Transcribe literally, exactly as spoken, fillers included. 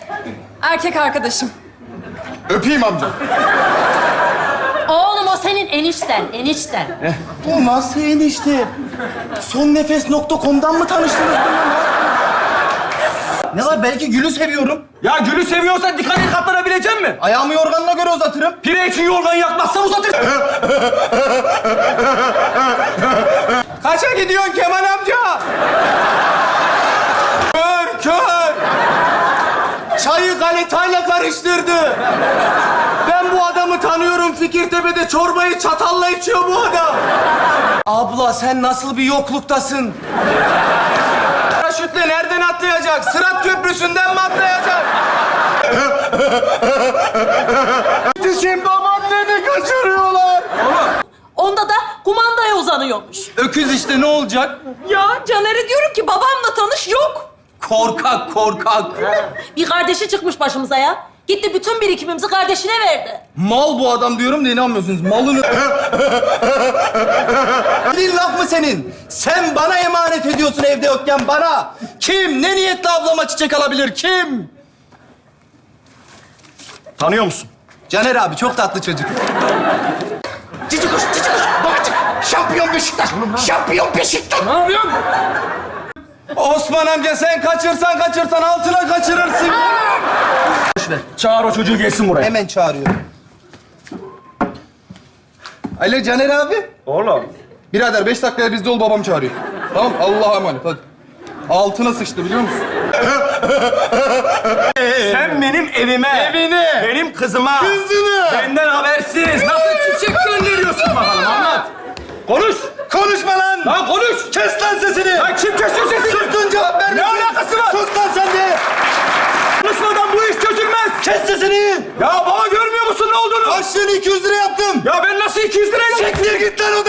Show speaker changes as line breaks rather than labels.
Erkek arkadaşım.
Öpeyim amca.
Oğlum o senin enişten, enişten.
Bu nasıl enişte? Son nefes nokta com'dan mı tanıştınız bununla? Ne var? Belki Gül'ü seviyorum.
Ya Gül'ü seviyorsan dikkat et, katlanabilecek misin?
Ayağımı yorganına göre uzatırım.
Pire için yorgan yakmazsa uzatır. Kaça gidiyorsun Kemal amca? Kör, kör. Çayı galetayla karıştırdı. Ben bu adamı tanıyorum. Fikirtepe'de çorbayı çatalla içiyor bu adam. Abla sen nasıl bir yokluktasın? Paraşütle nereden atlayacak? Sırat Köprüsü'nden mi atlayacak?
Yetişin, babaanneni kaçırıyorlar.
Onda da kumandaya uzanıyormuş.
Öküz işte, ne olacak?
Ya Caner'e diyorum ki babamla tanış, yok.
Korkak, korkak.
Bir kardeşi çıkmış başımıza ya. Gitti bütün birikimimizi kardeşine verdi.
Mal bu adam diyorum da inanmıyorsunuz. Malını... Dilin laf mı senin? Sen bana emanet ediyorsun evde yokken bana. Kim? Ne niyetle ablama çiçek alabilir? Kim?
Tanıyor musun?
Caner abi çok tatlı çocuk.
Cici kuş, cici kuş. Babacık. Şampiyon Beşiktaş. Şampiyon Beşiktaş.
Ne yapıyorsun? Osman amca sen kaçırsan kaçırsan altına kaçırırsın. Boş ver. Çağır o çocuğu gelsin buraya.
Hemen çağırıyorum. Alo Caner abi.
Oğlum.
Birader beş dakikaya bizde ol, babam çağırıyor. Tamam, Allah'a emanet hadi. Altına sıçtı biliyor musun?
Sen benim evime,
Evine.
benim kızıma,
Kızını.
benden habersiz nasıl çiçek gönderiyorsun bakalım, anlat. Konuş.
Konuşma lan.
Lan konuş.
Kes lan sesini.
Lan kim kesiyor sesini?
Sustun, cevap ver.
Ne alakası var?
Sus lan sen de.
Konuşmadan bu iş çözülmez.
Kes sesini.
Ya baba görmüyor musun ne olduğunu?
Başlığını iki yüz lira yaptım.
Ya ben nasıl iki yüz lirayla...
Siktir git lan